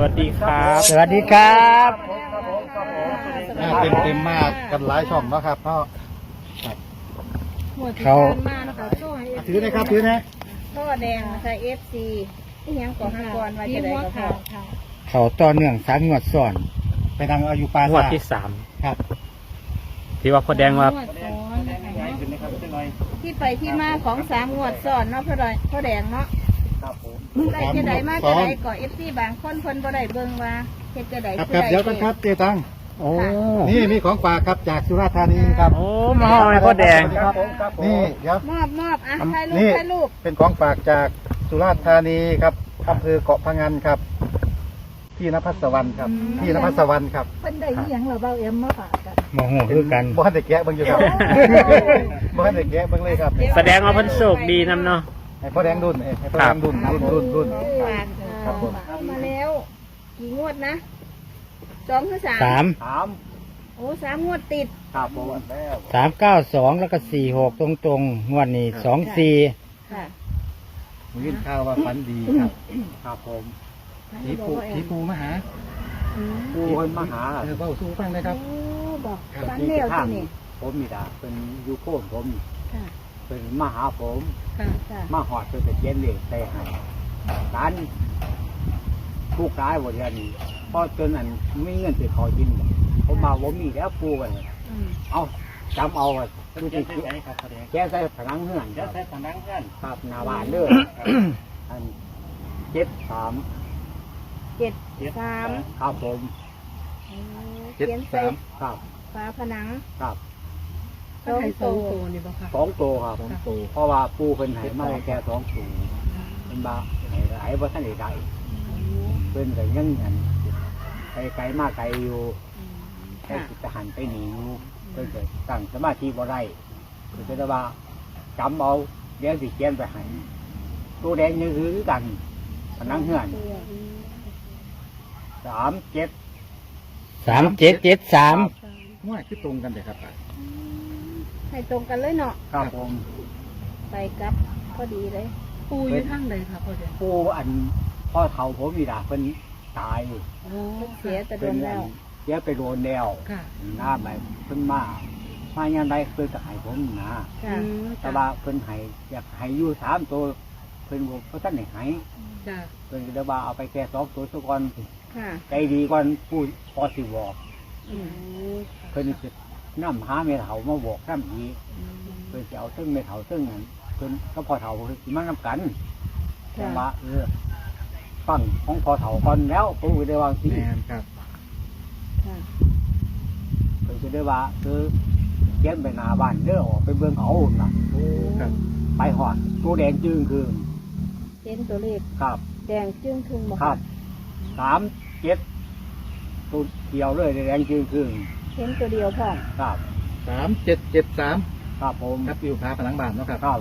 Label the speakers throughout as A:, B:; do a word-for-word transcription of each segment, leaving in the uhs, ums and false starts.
A: วัสดีครับ
B: สวัสดีครับ
C: เต็มเต็มมากกันหลายช่องเนาะครับเนาะ
B: เขา
C: ถือนะครับถือนะ
D: พ่อแดงใส่เอฟซีที่ยังก่อห้ากรว่าจะได้ก็พอ
B: เขาต่อเนื่องสามงวดซ้อน
C: ไปทางอายุปลาง
A: วดที่สาม
C: ครับ
A: ที่ว่าพ่อแดงว่า
D: ที่ไปที่มาของสามงวดซ้อนเนาะพ่อแดงพ่อแดงเนาะ
C: ครับผม
D: ได้จะได้มาจะได้ก่อเอฟซีบางคนเพิ่นบ่ได้เบิ่งว่าเฮ็ดจะได้
C: ครับครับเดี๋ยวกันครับเจตัง
A: โอ้
C: นี่มีของฝากครับจากสุราษฎร์ธานีครับ
A: โอ้มาห้อยพ่อแดง
C: ครับผมครับนี่เดี๋ยว
D: มอบมอบอ่ะถ่ายรูป
C: นี่
D: ถ่ายรูป
C: เป็นของฝากจากสุราษฎร์ธานีครับอำเภอเกาะพะงันครับพี่นภัสวรรณครับพี่นภัสวรรณครับ
D: เพิ่นได้อีหยังเหรอเบาเอ็มมาฝากกัน
B: โมโหคือกัน
C: บ้านเด็กแกะเบิ่งอยู่ครับบ้านเด็กแกะเบิ่งเลยครับ
A: แสดงว่าเพิ่นโชคดีนำเนาะ
C: ให้พ่อแดงดุนให้พ่อแดงดุนดุนดุนดุน
D: ฝาก
C: ครับผม
D: เข้ามาแล้วกี่งวดนะสองหรือสาม
B: สาม
C: ถาม
D: โอ้สามงวดติด
C: ครับผมแล้ว
B: สามเก้าสองแล้วก็สี่หกตรงตรงๆงวดนี้สองสี่
D: ค่ะ
C: ผมยินข่าวว่าฝันดีครับครับผมผีปูผีปูมาหา
D: อืม
C: ปูคนมาหาเออเบ้าสู้ฟังนะครับ
D: โอ้บอก
C: ครับ
D: ฟันเลี้ยวที่นี่
E: ผมมีดาเป็นอยูโคนผม
D: ค่ะ
E: เป็นมาหาผม
D: ค่ะค่ะ
E: มาหอดเป็นตะเกียนเหล็กใส่ให้ร้านผู้ร้ายบริเวณนี้พอจนอันไม่เงินสิเขากินผมมาผมมีแล้วปูกัน
D: อืม
E: เอาจำเอาอะดูที่
C: ไหนครับพ่อแดง
E: แกใส่ผนังเฮือน
C: เดี๋ยวใส่ผนังกัน
E: ครับหนาบานเด้ออันเจ็ดสาม
D: เจ็ดสาม
E: ครับผม
D: โอ้
C: เจ็ด
D: เขียนใส่
C: สาม
E: ครับ
D: ฝาผนัง
E: ครับ
D: สองโต
E: สองตัวครับผมเพราะว่าปูเป็นไหมาแค่สองตัวเป็นบาไหหลายว่าท่านใดๆเป็นแต่ยังอันไปไกลมากไกลอยู่ แค่จะหันไปหนีอยู่เพื่อจะตั้งสมาธิบ่ได้เพื่อจะว่าจำเอาเดี๋ยวสิเขียนไปให้ตัวแดงนี่คือกันผนังเฮือนสามเจ็ด
B: สามเจ็ดเจ็ดสาม
C: ง่ายคือตรงกันเลยครับ
D: ให้ตรงกันเลยเนาะ
E: ครับผม
D: ไปกับพอดีเลย
F: ปูอยู่ทางใดคะพ่อเด็ก
E: ผู้อันพ่อเฒ่าผมมีดาเพิ่นตาย
F: โอ้
D: เสียแต่โด
E: เพิ่น
D: น
E: อั
D: แล้
E: น
D: ว
E: เดี๋ยวไปโดนแล้ว
F: ค่ะ
E: หน้าไปเพิ่นมามาอย่างไรเพิ่นก็ให้ผมนะ
D: ค่ะ
F: อืม
E: แต่ว่าเพิ่นให้อยากให้อยู่สามตัวเพิ่นบอกว่าท่านให้ให้
F: จ้ะ
E: เพิ่นก็เลยว่าเอาไปแค่สองตัวซะก่อน
D: ค่ะ
E: ใจดีก่อนผู้พอสิบอก
D: อืม
E: เพิ่นสินำหาเมถามาบอกน้ำอีกเพิ่นจะเอาซึ่งเมถาซึ่งนั้นเพิ่นก็พอเถาเพิ่นสิมานำกันแต่ว่าเออฟังของพอเถาก่อนแล้วผมก็ได้วางสิ
C: แมนครับ
D: ค่ะ
E: เพิ่นก็ได้ว่าเออเขียนไปหน้าบ้านเด้อออกไปเบิ่งเอาน่ะ
C: โอ้ครับ
E: ไปหอดตัวแดงจึงคือ
D: เห็นตัวเลข
E: ครับ
D: แดงจึ้งครึ่งบ่
E: ครับสามเจ็ดตัวเขียวเลยแดงจึงคือ
D: เห็นตัวเดียวพร้อม
E: ครับ
C: สามเจ็ดเจ็ดสาม
E: ครับผม
C: ครับอยู่พาผนังบ้านเนาะครับ
E: ครับ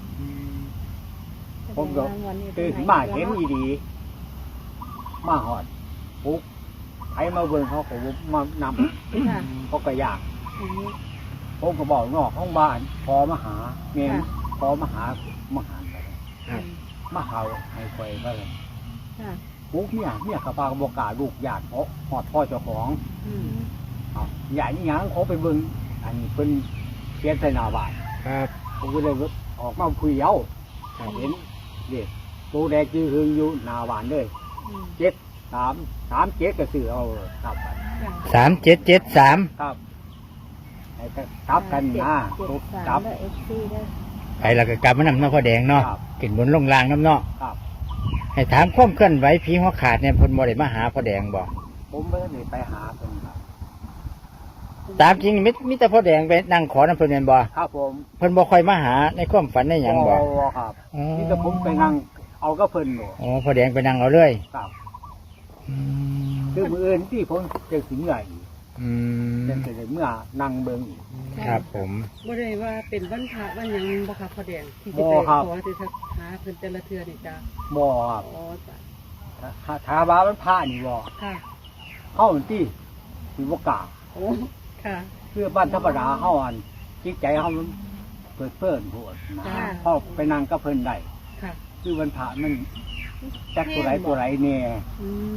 E: ผมก็ ตื่นมาเห็นอีดี มาหอดปุ๊บใครมาเบิ่งเขาก็มานำ
D: ค่ะ
E: เขาก็อยาก
D: อืม
E: ผมก็บอกนอกห้องบ้านพอมาหาเมีย
D: ค่ะ
E: พอมาหามาหาไป
C: ครับ
E: มาหาให้คอยไปเลย
D: ค่ะ
E: ปุ๊บเนี่ยเนี่ยกระปากบอกกล้าลูกญาติเพราะหอดพ่อเจ้าของ
D: อืม
E: เอาใหญ่นี่ยังเขาไปเบิ่งอันนี้เป็นเขียนใส่หน้าบ้าน
C: ครับ
E: ผมก็เลยออกมาคุยเอาเห็นเด็กตัวแดงจืดหึงอยู่หน้าบ้านเลย
D: อืม
E: เจ็ดสามสามเจ็ดก็ซื้อเอาครับ
B: สามเจ็ดเจ็ดสาม
E: ครับไอ้ก็กลับกันนะ
D: เจ็ด
E: ทุก
D: สาม
E: กลับ
D: แล้วเอฟซีได้
B: ไปแล้วก็กลับมานำเนาะพ่อแดงเนาะ
E: ครับ
B: ขึ้นบนลงล่างน้ำเนาะ
E: ครับ
B: ให้ถามความเคลื่อนไหวผีหัวขาดเนี่ยเพิ่นบ่ได้มาหาพ่อแดงบ่
E: ผมไม่ได้ไปหาเป็นครับ
B: ตามจริงมิมิแต่พ่อแดงไปนั่งขอน้ำเพิ่นแม่นบ่
E: ครับผม
B: เพิ่นบ่ค่อยมาหาในความฝันในหยังบ่
E: ครับ
B: อ๋อ
E: นี่แต่ผมไปนั่งเอาก็เพิ่นหนู
B: อ๋อพ่อแดงไปนั่งเอาเลย
E: ครับ
B: อืม
E: คือมืออื่นที่ผมจะถึงเมื่ออีก
B: อืม
E: เป็นแต่เมื่อนั่งเบิ่งอีก
B: ครับผม
F: บ่ได้ว่าเป็นวันพระวันหยังบ่คะพ่อแดงที่จะ
E: บ่
F: ไป
E: ครับ
F: ขอที่จะหาเพิ่นแต่ละเทื่อนี่จ้ะ
E: บ่ครับ
F: อ๋อจ้ะ
E: ถ้าถ้าว่ามันพานี่บ่
F: ค่ะ
E: เข้าที่สิบ่กล้า
F: โอ้ค่ะ
E: คือบ้านธรรมดาเฮาอันจิตใจเฮามันเปิดเพิ่นโพดนะ
F: ค่ะ
E: พอไปนั่งก็เพิ่นได้
F: ค่ะ
E: คือวันพระมันจักตัวไหนตัวไหนเนี่ย
F: อืม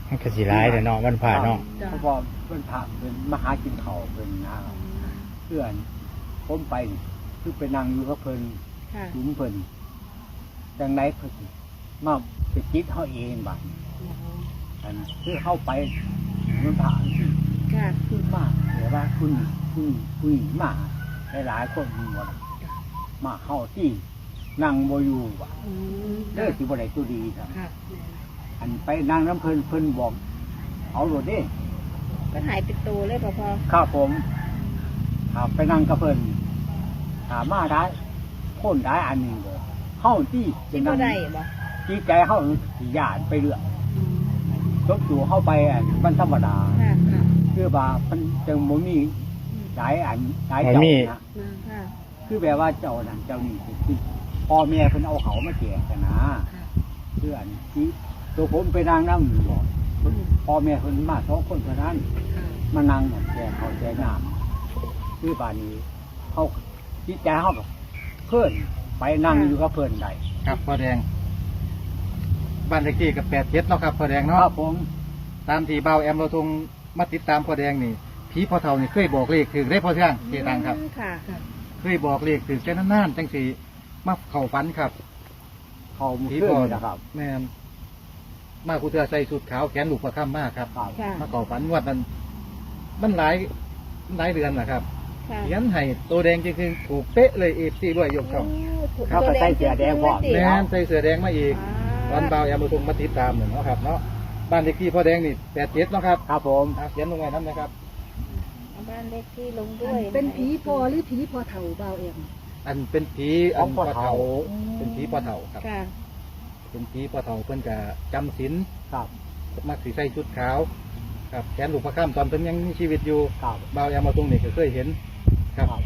B: มันก็สิร้ายแต่เนาะวันผ่าเนาะ
E: เพราะว่าเพิ่นพาเพิ่นมาหากินข้าวเพิ่นนะครับเพื่อนผมไปคือไปนั่งอยู่กับเพิ่น
D: ค่ะ
E: จุ้มเพิ่นจังไดเพิ่นสิมาไปจิตเฮาเองบัดนี้อันคือเข้าไปมันผ่านสิ
D: ค่ะ
E: คือมาเดี๋ยวว่าคุณคุณคุณมาหลายๆคนมีหมดมาเข้าที่นั่งบ่อยู่ว่ะ
F: อืม
E: เด้อสิบ่ได้ตัวดีครับ
F: ค่ะ
E: อันไปนั่งน้ำเพิ่นเพิ่นบอกเอาโลดเด้
D: ก็หายเป็นตัวเลยพอพอ
E: ข้าผมครับไปนั่งกับเพิ่นถามมาได้คนได้อันหนึงบ่เฮาที่
D: จิต
E: นั่
D: บ่
E: ง
D: ได้บ่
E: จิตใจเฮาสิย่านไปเรื่อยจบตัวเฮาไปอันมันธรรมดา
D: ค่ะค่ะ
E: คือว่ามันจังบ่มีหลายอันหลาย
B: บ่
E: เจ้า
B: มี
E: นะ
D: ค่ะ
E: คือแบบว่าเจ้านั่นเจ้านี่คือพ่อแม่เพิ่นเอาเขามาแจกกันนะ
F: ค่ะ
E: คืออันที่ตัวผมไปนั่งนั่งอยู่บ่พ่อแม่เพิ่นมาสองคนเท่านั้น
F: ค่ะ
E: มานั่งหมดแจกเขาแจกน้ำคือบ้านนี้เขาจิตใจเขาแบบเพื่อนไปนั่งอยู่กับเพื่อนใด
C: ครับพ่อแดงบ้านเลขที่กับแปดเจ็ดเนาะครับพ่อแดง
E: ค
C: เนาะ
E: รับผม
C: ตามที่เบาแอมเราทงมาติดตามพ่อแดงนี่ผีพ่อเฒ่านี่เคยบอกเลขถึงได้พ่อเทืองเจตังครับ
D: ค่ะ
C: เคยบอกเลขถึงแค่นานๆจังสีมาเข่าฝันครับ
E: เขามุ
C: ผี
E: เพื่
C: พ่อ
E: อนนะครับ
C: แม่นมากูเทือใส่สุดขาวแขนลูกประคำมากครับ
E: ครับ
D: ค่ะ
C: มาเข่าฝันงวดนั้นมันหลายหลายเดือนนะครับ
D: ค่ะ
C: เขียนให้ตัวแดงจริงๆถูกเป๊ะเลยเอฟซีด้วยยกช่อง
E: เขาก็ใส่เสื้อแดงพร้อม
C: แม่นใส่เสื้อแดงมาอีก วันเบาแอมเราทงมาติดตามหนึ่งเนาะครับเนาะบ้านเลขที่พ่อแดงนี่แปดเจ็ดเนาะครับ
E: ครับผม
C: อ่ะเขียนลงไว้น้ำนะครับ
D: เอาบ้านเลขที่ลงด้วย
F: เป็นผีพอหรือผีพอเฒ่าเบาเอ็ม
C: อันเป็นผีอันพ่อเฒ่าเป็นผีพ่อเฒ่าครับ
D: ค่ะ
C: เป็นผีพ่อเฒ่าเพิ่นจะจำศีล
E: ครับ
C: มักสีใส่ชุดขาวครับแขนลูกพระข้ามตอนเพิ่นยังมีชีวิตอยู่
E: ครับ
C: บ่าวแอมมาตรงนี้ก็เคยเห็นครับ
E: ครับ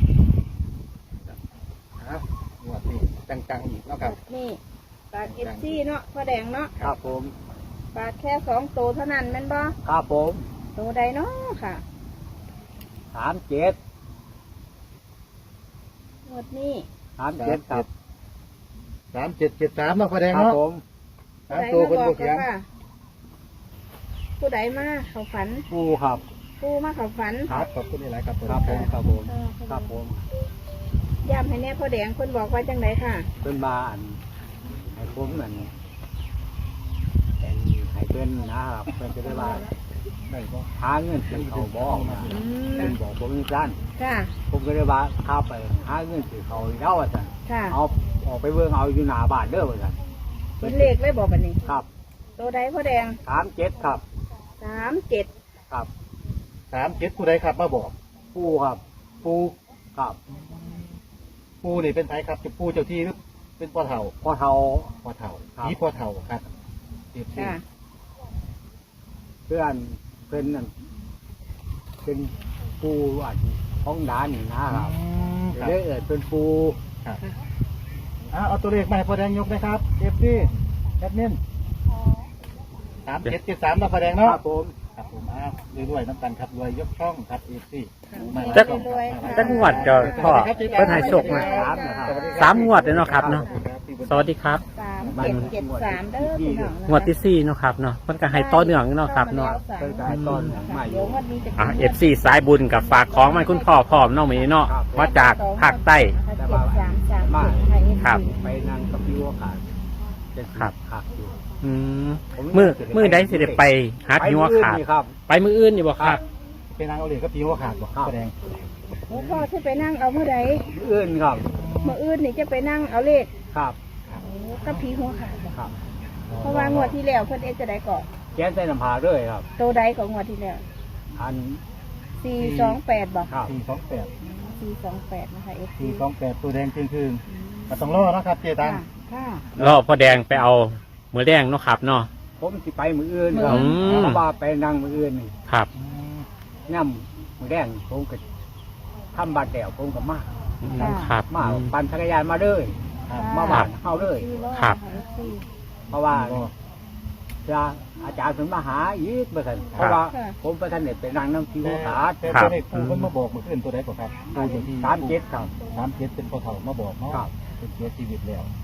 C: ครับงวดนี้จังๆอีกเนาะครับ
D: นี่ปากเอฟซีเนาะพ่อแดงเนาะ
E: ครับผม
D: ปากแค่สองตัวเท่านั้นแม่นบ่
E: ครับผม
D: ตัวใดเนาะค่ะ
E: สามเจ็ด
D: งวดนี้
E: สามเจ็ดครับ
C: สามเจ็ดเจ็ดสามเนาะพ่อแดง
E: ครับ
C: เนาะ
E: ผม
C: สามตัวเพิ่น
D: ผู้
C: บ่
D: ใด
C: เขีย
D: มาง บอกว่าผู้ใดมาเขาฝัน
E: ปูครับ
D: ผู้มาเขาฝัน
C: ครับขอบคุณหลายๆครับ
E: ครับผมครับผม
D: เออ
E: ครับผม
D: ย้ำให้แน่พ่อแดงคนบอกว่าจังไดค่ะ
E: เป็นมาอันให้ผมอันเป็นให้เพื่อนนะครับเพื่อนจะได้ว่าได้บ่หาเงินซื้อเขาวบ่ออกมา
D: อืม
E: เป็นบอกผมนี่สั้น
D: ค่ะ
E: ผมก็เลยว่าข้าไปหาเงินซื้อเขาวเล่าว่าสั่น
D: ค่ะ
E: เอาออกไปเบิ่งเอาอยู่หน้าบ้านเด้อว่าสั่น
D: เป็นเลขเลยบอกบันนี้
E: ครับ
D: ตัวใดพ่อแดง
E: สามเจ็ดครับ
D: สามเจ็ด
E: ครับ
C: สามเจ็ดผู้ใดครับมาบอก
E: ปูครับ
C: ปู
E: ครับ
C: ปูนี่เป็นไผครับจะปูเจ้าที่หรือเป็นพ่อเฒ่า
E: พอเท่า
C: พ่อเฒ่า
E: ครับ
C: ผีพ่อเฒ่าครับเอฟซี
D: ค่ะ
E: เพื่อนเพื่อนนั่นเป็นปูอันท้องดานนี่นะครับ
C: ครับ
E: เลยเอิดเป็นปู
C: ครับอ่ะเอาตัวเลขมาให้พ่อแดงยกนะครับเอฟซีแอดมินสามเจ็ดเจ็ดสามเราพ่อแดง
E: ค
C: เนาะ
E: รับผม
C: ครับผมอ้าวรวยๆน้ำตาลครับรวยยกช่องครับเอฟซี
A: จักจักงวดก็พ่อเพิ่นให้โชคมา
E: สามนะครับ
A: สามงวดเลยเนาะครับเนาะสวัสดีครับ
D: สามเจ็ดเจ็ดสามเด้อพี่น้องนะคะ
A: งวดที่สี่เนาะครับเนาะเพิ่นก็ให้ต่อเนื่องเนาะครับเนาะ
E: เพิ่นก็ให้ต้นหนังใหม่อยู่
D: เดี๋ยวงวดนี้จะ
A: อ่ะ เอฟซี สายบุญกับฝากของมันคุณพ่อพร้อมเนาะมื้อนี้เนาะมาจากภาคใต้
D: เจ็ดสามสามเจ็ดไทย
A: ครับ
E: ไปนั่งกับพี่วัวขาดจะสิ
A: ครับ
E: ขาดอยู่
A: อืมมือมือใดสิได้ไปหาผีหัวขาด
E: ไปมื้ออื่นนี่ครับ
A: ไปมืออื่นอยู่บ่ครับ
C: เป็นนางเอาเหรียญก็ผีหัวขาดบอก
E: ครับ
C: พ่อแดง
D: หลวงพ่อจะไปนั่งเอาเมื่อใด
E: มื้ออื่นครับ
D: เมื่ออื่นนี่จะไปนั่งเอาเลข
E: ครับ
D: กับผีหัวขาดบ่
E: ครับ
D: เพราะว่างวดที่แล้วเพิ่นเอ็ดจะได้ก่อน
E: แกนใส่น้ำผาด้วยครับ
D: ตัวใดของงวดที่แล้ว
E: อัน
D: สี่สองแปดบ่
E: ครับ
C: สี่สองแปด
D: สี่สองแปดนะคะเอฟซี
C: สี่สองแปดตัวแดงคืนๆก็ต้องรอนะครับเจตัง
D: ค่ะค่ะ
A: รอพ่อแดงไปเอามือแดงเนาะครับเนาะ
E: ผมสิไปมืออื่นครับ
A: อืม
E: เพราะว่าไปนั่งมืออื่นนี่
A: ครับ
E: ย่ำมือแดงผมก็ทำบาดแดวผมก็มา
A: ครับ
E: มาปั่นจักรยานมาเลย
C: ครับ
E: มาบ้านเฮาเลย
A: ครับ
D: เอฟซี
E: เพราะว่าจะอาจารย์ถึงมาหาอีกเมื่อกันเพราะว่าผมไปท่านเนี่ยไปนั่งน้ำคิวขาด
C: แต่ตัวเลขปูมันมาบอกเมื่อคืนตัวใดก่อนครับตัวอยู่ที่
E: สามเจ็ดครับ
C: สามเจ็ดเป็นพ่อเฒ่ามาบอกเนาะ
E: ครับ
C: เป็นเสียชีวิตแล้ว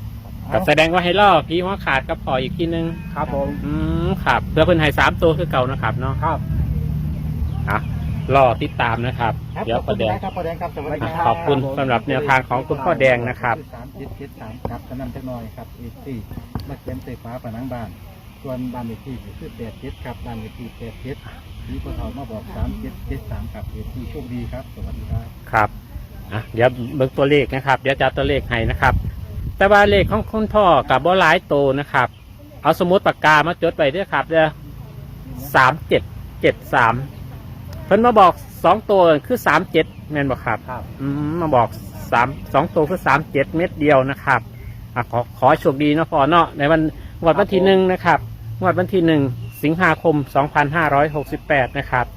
A: กับแสดงว่าให้ล่อพี่หัวขาดกับพออีกทีนึง
E: ครับผม
A: อืมครับเพื่อเพิ่นให้สามตัวคือเก่านะครับเนาะ
E: ครับ
A: อ่ะรอติดตามนะครับ
C: ครับ
A: เดี๋ยว
C: ข
A: ป
C: อบ
A: ระ
C: คุณ
A: แดง
C: นะครับพ่อแดงครับสวัสดี
A: อ่ะ
C: ครับ
A: ขอบคุณสำหรับแนวทางของคุณพ่อแดงนะครับ
C: สามเจ็ดเจ็ดสามครับกำนันจักหน่อยครับเอซี่มาเขียนใส่ฟ้าผนังบ้าน ส่วนบ้านเลขที่คือแปดเจ็ดครับบ้านเลขที่แปดเจ็ดมีคนเขามาบอกสามเจ็ดเจ็ดสามครับเอซี่โชคดีครับสวัสดีครับ
A: ครับอ่ะเดี๋ยวเบิ่งตัวเลขนะครับ เดี๋ยวจะเอาตัวเลขให้นะครับ แต่ว่าเลขของคุณพ่อกับบ่หลายโตวนะครับ เอาสมุดปากกามาจดไว้ด้วยครับเด้อสามเจ็ดเจ็ดสามเพิ่นมาบอกสองตัวคือสามเจ็ดแม่นบอกครับ
E: ครับ
A: อืมมาบอกสามสองตัวคือสามเจ็ดเม็ดเดียวนะครับอ่ะขอขอให้โชคดีเนาะพ่อเนาะในวันงวดวันที่หนึ่งนะครับงวดวันที่หนึ่งสิงหาคมสองพันห้าร้อยหกสิบแปดนะครับ